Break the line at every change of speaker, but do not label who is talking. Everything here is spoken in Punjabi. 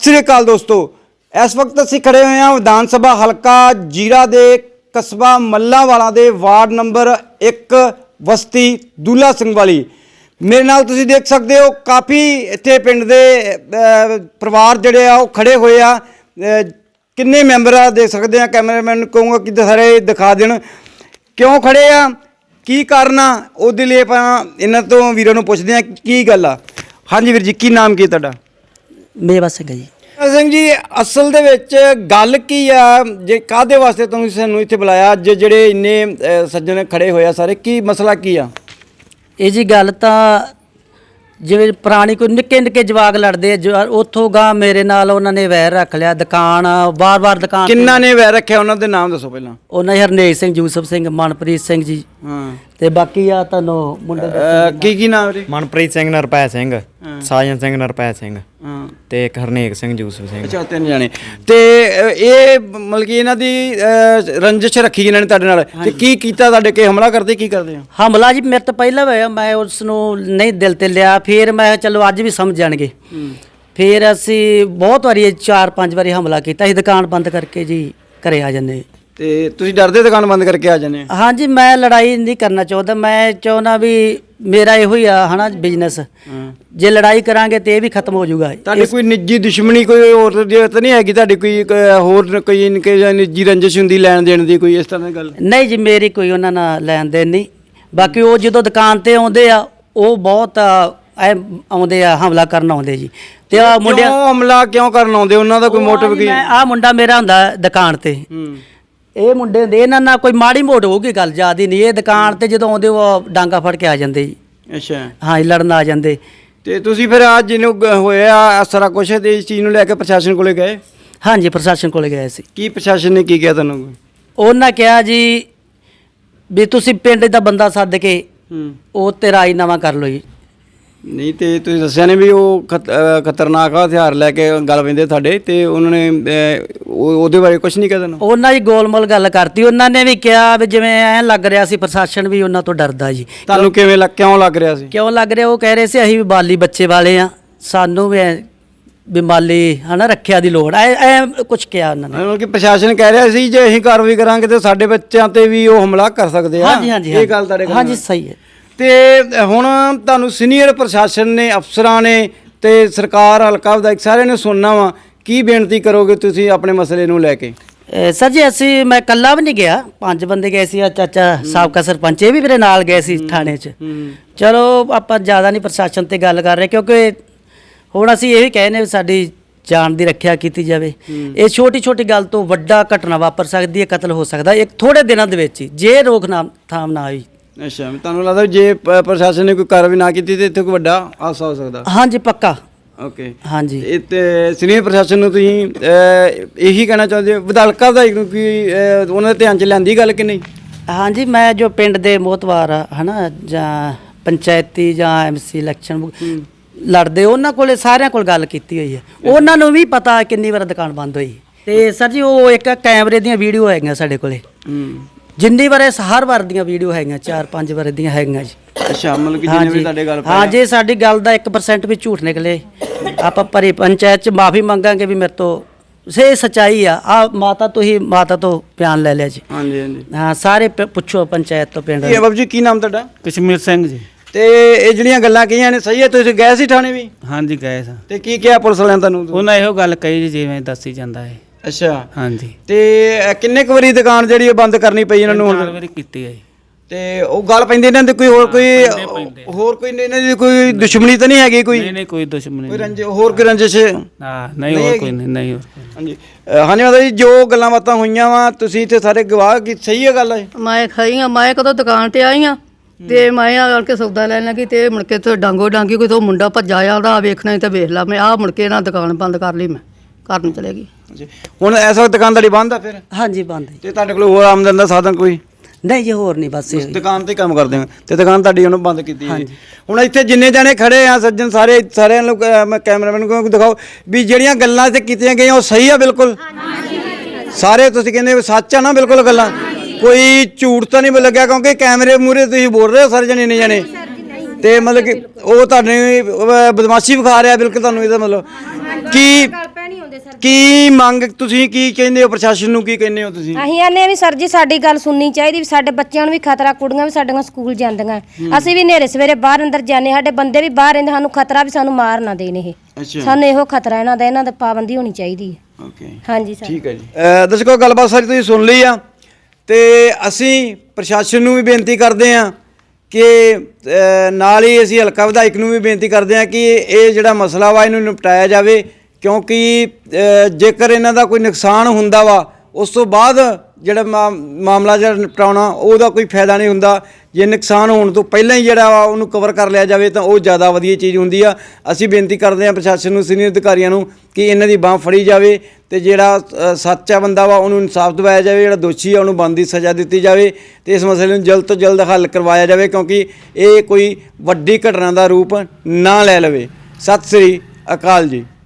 ਸ੍ਰੀ ਅਕਾਲ ਦੋਸਤੋ, इस वक्त असीं खड़े हुए हैं विधान सभा हलका जीरा दे कस्बा मल्लांवाला दे वार्ड नंबर 1 बस्ती दूला सिंह वाली। मेरे नाल तुसीं देख सकते हो काफ़ी इत्थे पिंड दे परिवार जिहड़े आ ओह खड़े हुए आ। किन्ने मैंबर आ देख सकते हैं, कैमरामैन कहूँगा कि सारे दिखा देण क्यों खड़े आ, की कारण आ, ਉਹਦੇ ਲਈ ਆਪਾਂ ਇਹਨਾਂ ਤੋਂ ਵੀਰਾਂ ਨੂੰ ਪੁੱਛਦੇ ਹਾਂ ਕੀ ਗੱਲ ਆ। ਹਾਂਜੀ ਵੀਰ ਜੀ, ਕੀ ਨਾਮ ਕੀ ਤੁਹਾਡਾ?
ਮੇਵਾ ਸਿੰਘ ਜੀ।
ਸਿੰਘ ਜੀ, ਅਸਲ ਦੇ ਵਿੱਚ ਗੱਲ ਕੀ ਆ, ਜੇ ਕਾਹਦੇ ਵਾਸਤੇ ਤੁਸੀਂ ਸਾਨੂੰ ਇੱਥੇ ਬੁਲਾਇਆ ਅੱਜ, ਜਿਹੜੇ ਇੰਨੇ ਸੱਜਣ ਖੜੇ ਹੋਏ ਆ ਸਾਰੇ, ਕੀ ਮਸਲਾ ਕੀ ਆ?
ਇਹ ਜੀ ਗੱਲ ਤਾਂ ਜਿਵੇਂ ਪੁਰਾਣੀ ਕੋਈ ਨਿੱਕੇ ਨਿੱਕੇ ਜਵਾਕ ਲੜਦੇ ਉੱਥੋਂ ਗਾਂ ਮੇਰੇ ਨਾਲ ਉਹਨਾਂ ਨੇ ਵੈਰ ਰੱਖ ਲਿਆ। ਦੁਕਾਨ ਵਾਰ-ਵਾਰ ਦੁਕਾਨ
ਕਿੰਨਾ ਨੇ ਵੈਰ ਰੱਖਿਆ, ਉਹਨਾਂ ਦੇ ਨਾਮ ਦੱਸੋ ਪਹਿਲਾਂ।
ਉਹਨਾਂ ਹਰਨੇਕ ਸਿੰਘ, ਯੂਸਫ ਸਿੰਘ, ਮਨਪ੍ਰੀਤ ਸਿੰਘ ਜੀ,
ਹਾਂ,
ਤੇ ਬਾਕੀ ਆ ਤੁਹਾਨੂੰ ਮੁੰਡੇ
ਕੀ ਨਾਮ ਵੀਰੇ?
ਮਨਪ੍ਰੀਤ ਸਿੰਘ, ਨਰਪੈ ਸਿੰਘ, ਸਾਜਨ ਸਿੰਘ, ਨਰਪੈ ਸਿੰਘ
ਹਾਂ,
ਤੇ ਇੱਕ ਹਰਨੇਕ ਸਿੰਘ, ਯੂਸਫ ਸਿੰਘ।
ਅੱਛਾ, ਤਿੰਨ ਜਾਣੇ। ਤੇ ਇਹ ਮਤਲਬ ਕਿ ਇਹਨਾਂ ਦੀ ਰੰਜਿਸ਼ ਰੱਖੀ ਇਹਨਾਂ ਨੇ ਤੁਹਾਡੇ ਨਾਲ, ਤੇ ਕੀ ਕੀਤਾ? ਤੁਹਾਡੇ ਕੇ ਹਮਲਾ ਕਰਦੇ, ਕੀ ਕਰਦੇ ਆ?
ਹਮਲਾ ਜੀ ਮੇਰੇ ਤੋਂ ਪਹਿਲਾਂ ਹੋਇਆ, ਮੈਂ ਉਸ ਨੂੰ ਨਹੀਂ ਦਿਲ ਤੇ ਲਿਆ। ਫਿਰ ਮੈਂ ਚਲੋ ਅੱਜ ਵੀ ਸਮਝ ਜਾਣਗੇ। ਫਿਰ ਅਸੀਂ ਬਹੁਤ ਵਾਰੀ 4-5 ਵਾਰੀ ਹਮਲਾ ਕੀਤਾ। ਅਸੀਂ ਦੁਕਾਨ ਬੰਦ ਕਰਕੇ ਜੀ ਘਰੇ ਆ ਜਾਂਦੇ।
ਤੇ ਤੁਸੀਂ ਡਰਦੇ ਦੁਕਾਨ ਬੰਦ ਕਰਕੇ ਆ ਜਾਂਦੇ?
ਹਾਂਜੀ, ਮੈਂ ਲੜਾਈ ਨਹੀਂ ਕਰਨਾ ਚਾਹੁੰਦਾ। ਮੈਂ ਚਾਹੁੰਦਾ ਵੀ ਮੇਰਾ ਇਹੋ ਹੀ ਆ ਹਨਾ ਬਿਜ਼ਨਸ, ਜੇ ਲੜਾਈ ਕਰਾਂਗੇ ਤੇ ਇਹ ਵੀ ਖਤਮ ਹੋ ਜਾਊਗਾ।
ਤੁਹਾਡੀ ਕੋਈ ਨਿੱਜੀ ਦੁਸ਼ਮਣੀ ਕੋਈ ਹੋਰ ਤਾਂ ਨਹੀਂ ਹੈਗੀ? ਤੁਹਾਡੀ ਕੋਈ ਹੋਰ ਕੋਈ ਨਿੱਜੀ ਰੰਜਿਸ਼ ਹੁੰਦੀ ਲੈਣ ਦੇਣ ਦੀ, ਕੋਈ ਇਸ ਤਰ੍ਹਾਂ ਦੀ ਗੱਲ?
ਨਹੀਂ ਜੀ, ਮੇਰੀ ਕੋਈ ਉਹਨਾਂ ਨਾਲ ਲੈਣ ਦੇਣ ਨਹੀਂ। ਬਾਕੀ ਉਹ ਜਦੋਂ ਦੁਕਾਨ ਤੇ ਆਉਂਦੇ ਆ ਉਹ ਬਹੁਤ ਆਉਂਦੇ ਆ, ਹਮਲਾ ਕਰਨ ਆਉਂਦੇ ਜੀ। ਤੇ ਆ ਮੁੰਡੇ
ਹਮਲਾ ਕਿਉਂ ਕਰਨ ਆਉਂਦੇ? ਉਹਨਾਂ ਦਾ ਕੋਈ ਮੋਟਿਵ ਕੀ?
ਆ ਮੁੰਡਾ ਮੇਰਾ ਹੁੰਦਾ ਦੁਕਾਨ ਤੇ, ਇਹ ਮੁੰਡੇ ਹੁੰਦੇ, ਇਹਨਾਂ ਨਾਲ ਕੋਈ ਮਾੜੀ ਮੋਟ ਹੋਊਗੀ ਗੱਲ, ਜ਼ਿਆਦਾ ਨਹੀਂ। ਇਹ ਦੁਕਾਨ ਤੇ ਜਦੋਂ ਆਉਂਦੇ ਉਹ ਡਾਂਗਾ ਫੜ ਕੇ ਆ ਜਾਂਦੇ ਜੀ।
ਅੱਛਾ,
ਹਾਂ, ਲੜਨ ਆ ਜਾਂਦੇ।
ਤੇ ਤੁਸੀਂ ਫਿਰ ਅੱਜ ਜਿਹਨੂੰ ਹੋਇਆ ਸਾਰਾ ਕੁਛ, ਤੇ ਇਸ ਚੀਜ਼ ਨੂੰ ਲੈ ਕੇ ਪ੍ਰਸ਼ਾਸਨ ਕੋਲੇ ਗਏ?
ਹਾਂਜੀ, ਪ੍ਰਸ਼ਾਸਨ ਕੋਲੇ ਗਏ ਸੀ।
ਕੀ ਪ੍ਰਸ਼ਾਸਨ ਨੇ ਕੀ ਕਿਹਾ ਤੁਹਾਨੂੰ?
ਉਹਨਾਂ ਕਿਹਾ ਜੀ ਵੀ ਤੁਸੀਂ ਪਿੰਡ ਦਾ ਬੰਦਾ ਸੱਦ ਕੇ ਉਹ ਤੇ ਰਾਜੀਨਾਮਾ ਕਰ ਲਓ ਜੀ।
ਨਹੀਂ, ਤੇ ਤੁਸੀਂ ਦੱਸਿਆ ਨੇ ਵੀ ਉਹ ਖਤਰਨਾਕ ਹਥਿਆਰ ਲੈ ਕੇ ਗੱਲ ਪੈਂਦੇ ਤੁਹਾਡੇ, ਤੇ ਉਹਨਾਂ ਨੇ ਉਹਦੇ ਬਾਰੇ ਕੁਝ ਨਹੀਂ ਕਿਹਾ ਤੁਹਾਨੂੰ?
ਉਹਨਾਂ ਦੀ ਗੋਲਮੋਲ ਗੱਲ ਕਰਤੀ। ਉਹਨਾਂ ਨੇ ਵੀ ਕਿਹਾ ਵੀ ਜਿਵੇਂ ਐਂ ਲੱਗ ਰਿਹਾ ਸੀ ਪ੍ਰਸ਼ਾਸਨ ਵੀ ਉਹਨਾਂ ਤੋਂ ਡਰਦਾ ਜੀ।
ਤੁਹਾਨੂੰ ਕਿਵੇਂ ਕਿਉਂ ਲੱਗ ਰਿਹਾ ਸੀ?
ਕਿਉਂ ਲੱਗ ਰਿਹਾ? ਉਹ ਕਹਿ ਰਹੇ ਸੀ ਅਸੀਂ ਵੀ ਬਾਲੀ ਬੱਚੇ ਵਾਲੇ ਆ, ਸਾਨੂੰ ਵੀ ਮਾਲੀ ਹਨਾ ਰੱਖਿਆ ਦੀ ਲੋੜ ਐ ਕੁਝ ਕਿਹਾ ਉਹਨਾਂ ਨੇ।
ਮਤਲਬ ਕਿ ਪ੍ਰਸ਼ਾਸਨ ਕਹਿ ਰਿਹਾ ਸੀ ਜੇ ਅਸੀਂ ਕਾਰਵਾਈ ਕਰਾਂਗੇ ਤੇ ਸਾਡੇ ਬੱਚਿਆਂ ਤੇ ਵੀ ਉਹ ਹਮਲਾ ਕਰ ਸਕਦੇ ਆ।
ਹਾਂਜੀ ਹਾਂਜੀ,
ਇਹ ਗੱਲ ਤੁਹਾਡੇ ਕੋਲ?
ਹਾਂਜੀ, ਸਹੀ ਹੈ।
ਤੇ ਹੁਣ ਤੁਹਾਨੂੰ ਸੀਨੀਅਰ ਪ੍ਰਸ਼ਾਸਨ ਨੇ, ਅਫਸਰਾਂ ਨੇ ਤੇ ਸਰਕਾਰ, ਹਲਕਾ ਵਿਧਾਇਕ ਸਾਰਿਆਂ ਨੇ ਸੁਣਨਾ ਵਾ, ਕੀ ਬੇਨਤੀ ਕਰੋਗੇ ਤੁਸੀਂ ਆਪਣੇ ਮਸਲੇ ਨੂੰ ਲੈ ਕੇ?
ਸਰ ਜੀ, ਮੈਂ ਇਕੱਲਾ ਵੀ ਨਹੀਂ ਗਿਆ, 5 ਬੰਦੇ ਗਏ ਸੀ। ਚਾਚਾ ਸਾਬਕਾ ਸਰਪੰਚ ਇਹ ਵੀ ਮੇਰੇ ਨਾਲ ਗਏ ਸੀ ਥਾਣੇ 'ਚ। ਚਲੋ ਆਪਾਂ ਜ਼ਿਆਦਾ ਨਹੀਂ ਪ੍ਰਸ਼ਾਸਨ ਤੇ ਗੱਲ ਕਰ ਰਹੇ, ਕਿਉਂਕਿ ਹੁਣ ਅਸੀਂ ਇਹ ਵੀ ਕਹਿੰਦੇ ਵੀ ਸਾਡੀ ਜਾਨ ਦੀ ਰੱਖਿਆ ਕੀਤੀ ਜਾਵੇ। ਇਹ ਛੋਟੀ ਛੋਟੀ ਗੱਲ ਤੋਂ ਵੱਡਾ ਘਟਨਾ ਵਾਪਰ ਸਕਦੀ ਹੈ, ਕਤਲ ਹੋ ਸਕਦਾ ਇੱਕ ਥੋੜੇ ਦਿਨਾਂ ਦੇ ਵਿੱਚ ਹੀ, ਜੇ ਰੋਕਥਾਮ ਨਾ ਹੋਈ।
ਅੱਛਾ, ਤੁਹਾਨੂੰ ਲੱਗਦਾ ਜੇ ਪ੍ਰਸ਼ਾਸਨ ਨੇ ਕੋਈ ਕਾਰਵਾਈ ਨਾ ਕੀਤੀ ਤੇ ਇੱਥੇ ਕੋਈ ਵੱਡਾ ਹਾਦਸਾ ਹੋ ਸਕਦਾ?
ਹਾਂਜੀ, ਪੱਕਾ।
ਓਕੇ,
ਹਾਂਜੀ।
ਇਹ ਤੇ ਸੀਨੀਅਰ ਪ੍ਰਸ਼ਾਸਨ ਨੂੰ ਤੁਸੀਂ ਇਹੀ ਕਹਿਣਾ ਚਾਹੁੰਦੇ ਹੋ, ਵਿਧਾਇਕ ਨੂੰ ਕਿ ਉਹਨਾਂ ਦੇ ਧਿਆਨ 'ਚ ਲਿਆਂਦੀ ਗੱਲ ਕਿ ਨਹੀਂ?
ਹਾਂਜੀ, ਮੈਂ ਜੋ ਪਿੰਡ ਦੇ ਮੋਹਤਵਾਰ ਆ ਹਨਾ, ਜਾਂ ਪੰਚਾਇਤੀ ਜਾਂ MC ਇਲੈਕਸ਼ਨ ਲੜਦੇ, ਉਹਨਾਂ ਕੋਲੇ ਸਾਰਿਆਂ ਕੋਲ ਗੱਲ ਕੀਤੀ ਹੋਈ ਹੈ। ਉਹਨਾਂ ਨੂੰ ਵੀ ਪਤਾ ਕਿੰਨੀ ਵਾਰ ਦੁਕਾਨ ਬੰਦ ਹੋਈ। ਤੇ ਸਰ ਜੀ, ਉਹ ਇੱਕ ਕੈਮਰੇ ਦੀਆਂ ਵੀਡੀਓ ਹੈਗੀਆਂ ਸਾਡੇ ਕੋਲੇ, ਜਿੰਨੀ ਵਾਰ ਹਰ ਵਾਰ ਦੀਆਂ ਵੀਡੀਓ ਹੈਗੀਆਂ, 4-5 ਵਾਰ ਦੀਆਂ ਹੈਗੀਆਂ ਜੀ।
ਅੱਛਾ, ਮਤਲਬ ਕਿ ਜਿੰਨੇ ਵੀ ਤੁਹਾਡੇ ਗੱਲ?
ਹਾਂ, ਜੇ ਸਾਡੀ ਗੱਲ ਦਾ 1% ਵੀ ਝੂਠ ਨਿਕਲੇ, ਆਪਾਂ ਭਰੀ ਪੰਚਾਇਤ 'ਚ ਮਾਫੀ ਮੰਗਾਂਗੇ ਵੀ ਮੇਰੇ ਤੋਂ ਸੇ ਸੱਚਾਈ ਆ। ਮਾਤਾ ਤੋਂ ਬਿਆਨ ਲੈ ਲਿਆ ਜੀ।
ਹਾਂਜੀ ਹਾਂਜੀ,
ਹਾਂ, ਸਾਰੇ ਪੁੱਛੋ ਪੰਚਾਇਤ ਤੋਂ, ਪਿੰਡ।
ਕੀ ਬਾਬੂ ਜੀ, ਕੀ ਨਾਮ ਤੁਹਾਡਾ?
ਕਸ਼ਮੀਰ ਸਿੰਘ ਜੀ।
ਤੇ ਇਹ ਜਿਹੜੀਆਂ ਗੱਲਾਂ ਕਹੀਆਂ ਨੇ ਸਹੀ ਹੈ? ਤੁਸੀਂ ਗਏ ਸੀ ਥਾਣੇ ਵੀ?
ਹਾਂਜੀ, ਗਏ ਸਾਂ।
ਤੇ ਕੀ ਕਿਹਾ ਪੁਲਿਸ ਵਾਲਿਆਂ ਤੁਹਾਨੂੰ?
ਉਹਨਾਂ ਇਹੋ ਗੱਲ ਕਹੀ ਜੀ ਜਿਵੇਂ ਦੱਸੀ ਜਾਂਦਾ ਹੈ।
ਅੱਛਾ,
ਹਾਂਜੀ।
ਤੇ ਕਿੰਨੇ ਕੁ ਵਾਰੀ ਦੁਕਾਨ ਜਿਹੜੀ ਉਹ ਬੰਦ ਕਰਨੀ ਪਈ ਇਹਨਾਂ ਨੂੰ?
ਹੁਣ ਵਾਰੀ ਕੀਤੀ ਹੈ।
ਤੇ ਉਹ ਗੱਲ ਪੈਂਦੀ ਇਹਨਾਂ ਦੀ ਕੋਈ ਹੋਰ ਕੋਈ ਇਹਨਾਂ ਦੀ ਕੋਈ ਦੁਸ਼ਮਣੀ ਤਾਂ ਨਹੀਂ ਹੈਗੀ? ਕੋਈ
ਨਹੀਂ ਕੋਈ ਦੁਸ਼ਮਣੀ
ਕੋਈ ਹੋਰ ਕੋਈ ਰੰਜਿਸ਼?
ਹਾਂ, ਨਹੀਂ ਹੋਰ ਕੋਈ ਨਹੀਂ।
ਹਾਂਜੀ ਹਾਂਜੀ ਮਾਤਾ ਜੀ, ਜੋ ਗੱਲਾਂ ਬਾਤਾਂ ਹੋਈਆਂ ਵਾ ਤੁਸੀਂ ਇੱਥੇ ਸਾਰੇ ਗਵਾਹ, ਕੀ ਸਹੀ ਹੈ ਗੱਲ? ਹੈ
ਮੈਂ ਖਾਈ ਆ, ਮੈਂ ਕਦੋਂ ਦੁਕਾਨ ਤੇ ਆਈ ਆ ਤੇ ਮੈਂ ਆ ਕੇ ਸੌਦਾ ਲੈਣ ਲੱਗੀ ਤੇ ਮੁੜ ਕੇ ਤੇ ਡਾਂਗੋ ਡਾਂਗੀ ਕੋਈ ਤੋਂ ਮੁੰਡਾ ਭੱਜਾ ਆਉਂਦਾ, ਵੇਖਣਾ ਤਾਂ ਵੇਖ ਲਾ। ਮੈਂ ਆ ਮੁੜ ਕੇ ਨਾ ਦੁਕਾਨ ਬੰਦ ਕਰ ਲਈ, ਮੈਂ ਘਰ ਨੂੰ ਚਲੇ ਗਈ।
ਹੁਣ ਇਸ ਵਕਤ ਦੁਕਾਨ ਤੁਹਾਡੀ ਬੰਦ ਆ ਫਿਰ?
ਹਾਂਜੀ, ਬੰਦ।
ਤੇ ਤੁਹਾਡੇ ਕੋਲ ਹੋਰ ਆਮਦਨ ਦਾ ਸਾਧਨ ਕੋਈ?
ਨਹੀਂ ਜੀ, ਹੋਰ ਨਹੀਂ, ਬਸ
ਦੁਕਾਨ ਤੇ ਕੰਮ ਕਰਦੇ ਹੋ ਤੇ ਦੁਕਾਨ ਤੁਹਾਡੀ ਉਹਨੂੰ ਬੰਦ ਕੀਤੀ ਹੈ। ਹੁਣ ਇੱਥੇ ਜਿੰਨੇ ਜਾਣੇ ਖੜੇ ਆ ਸੱਜਣ, ਸਾਰਿਆਂ ਨੂੰ ਮੈਂ ਕੈਮਰਾਮੈਨ ਨੂੰ ਦਿਖਾਓ ਵੀ ਜਿਹੜੀਆਂ ਗੱਲਾਂ ਇੱਥੇ ਕੀਤੀਆਂ ਗਈਆਂ ਉਹ ਸਹੀ ਆ ਬਿਲਕੁਲ? ਸਾਰੇ ਤੁਸੀਂ ਕਹਿੰਦੇ ਸੱਚ ਆ ਨਾ ਬਿਲਕੁਲ ਗੱਲਾਂ? ਕੋਈ ਝੂਠ ਤਾਂ ਨਹੀਂ ਲੱਗਿਆ? ਕਿਉਂਕਿ ਕੈਮਰੇ ਮੂਹਰੇ ਤੁਸੀਂ ਬੋਲ ਰਹੇ ਹੋ ਸਾਰੇ ਜਣੇ ਇੰਨੇ ਜਾਣੇ, ਤੇ ਮਤਲਬ ਕਿ ਉਹ ਤੁਹਾਨੂੰ ਬਦਮਾਸ਼ੀ ਵਿਖਾ ਰਿਹਾ ਬਿਲਕੁਲ ਤੁਹਾਨੂੰ। ਇਹਦਾ ਮਤਲਬ ਕੀ ਕੀ ਮੰਗ ਤੁਸੀਂ ਕੀ ਕਹਿੰਦੇ ਹੋ ਪ੍ਰਸ਼ਾਸਨ ਨੂੰ, ਕੀ ਕਹਿੰਦੇ ਹੋ ਤੁਸੀਂ?
ਅਸੀਂ ਆਨੇ ਵੀ ਸਰ ਜੀ ਸਾਡੀ ਗੱਲ ਸੁਣਨੀ ਚਾਹੀਦੀ ਵੀ ਸਾਡੇ ਬੱਚਿਆਂ ਨੂੰ ਵੀ ਖਤਰਾ, ਕੁੜੀਆਂ ਵੀ ਸਾਡੀਆਂ ਸਕੂਲ ਜਾਂਦੀਆਂ, ਅਸੀਂ ਵੀ ਹਨੇਰੇ ਸਵੇਰੇ ਬਾਹਰ ਅੰਦਰ ਜਾਂਦੇ, ਸਾਡੇ ਬੰਦੇ ਵੀ ਬਾਹਰ ਰਹਿੰਦੇ, ਸਾਨੂੰ ਖਤਰਾ ਵੀ ਸਾਨੂੰ ਮਾਰ ਨਾ ਦੇਣ ਇਹ।
ਅੱਛਾ,
ਸਾਨੂੰ ਇਹੋ ਖਤਰਾ ਇਹਨਾਂ ਦਾ ਪਾਬੰਦੀ ਹੋਣੀ ਚਾਹੀਦੀ ਹੈ।
ਓਕੇ,
ਹਾਂਜੀ ਸਰ।
ਠੀਕ ਹੈ ਜੀ। ਦਰਸ਼ਕੋ ਗੱਲਬਾਤ ਸਾਰੀ ਤੁਸੀਂ ਸੁਣ ਲਈ ਆ ਤੇ ਅਸੀਂ ਪ੍ਰਸ਼ਾਸਨ ਨੂੰ ਵੀ ਬੇਨਤੀ ਕਰਦੇ ਆ ਕਿ ਨਾਲ ਹੀ ਅਸੀਂ ਹਲਕਾ ਵਿਧਾਇਕ ਨੂੰ ਵੀ ਬੇਨਤੀ ਕਰਦੇ ਆ ਕਿ ਇਹ ਜਿਹੜਾ ਮਸਲਾ ਵਾ ਇਹਨੂੰ ਨਿਪਟਾਇਆ ਜਾਵੇ, ਕਿਉਂਕਿ ਜੇਕਰ ਇਹਨਾਂ ਦਾ ਕੋਈ ਨੁਕਸਾਨ ਹੁੰਦਾ ਵਾ ਉਸ ਤੋਂ ਬਾਅਦ ਜਿਹੜਾ ਮਾਮਲਾ ਜਿਹੜਾ ਨਿਪਟਾਉਣਾ ਉਹਦਾ ਕੋਈ ਫਾਇਦਾ ਨਹੀਂ ਹੁੰਦਾ। ਜੇ ਨੁਕਸਾਨ ਹੋਣ ਤੋਂ ਪਹਿਲਾਂ ਹੀ ਜਿਹੜਾ ਵਾ ਉਹਨੂੰ ਕਵਰ ਕਰ ਲਿਆ ਜਾਵੇ ਤਾਂ ਉਹ ਜ਼ਿਆਦਾ ਵਧੀਆ ਚੀਜ਼ ਹੁੰਦੀ ਆ। ਅਸੀਂ ਬੇਨਤੀ ਕਰਦੇ ਹਾਂ ਪ੍ਰਸ਼ਾਸਨ ਨੂੰ, ਸੀਨੀਅਰ ਅਧਿਕਾਰੀਆਂ ਨੂੰ ਕਿ ਇਹਨਾਂ ਦੀ ਬਾਂਹ ਫੜੀ ਜਾਵੇ ਤੇ ਜਿਹੜਾ ਸੱਚਾ ਬੰਦਾ ਵਾ ਉਹਨੂੰ ਇਨਸਾਫ ਦਿਵਾਇਆ ਜਾਵੇ, ਜਿਹੜਾ ਦੋਸ਼ੀ ਆ ਉਹਨੂੰ ਬਣਦੀ ਸਜ਼ਾ ਦਿੱਤੀ ਜਾਵੇ ਤੇ ਇਸ ਮਸਲੇ ਨੂੰ ਜਲਦ ਤੋਂ ਜਲਦ ਹੱਲ ਕਰਵਾਇਆ ਜਾਵੇ, ਕਿਉਂਕਿ ਇਹ ਕੋਈ ਵੱਡੀ ਘਟਨਾ ਦਾ ਰੂਪ ਨਾ ਲੈ ਲਵੇ। ਸਤਿ ਸ੍ਰੀ ਅਕਾਲ ਜੀ।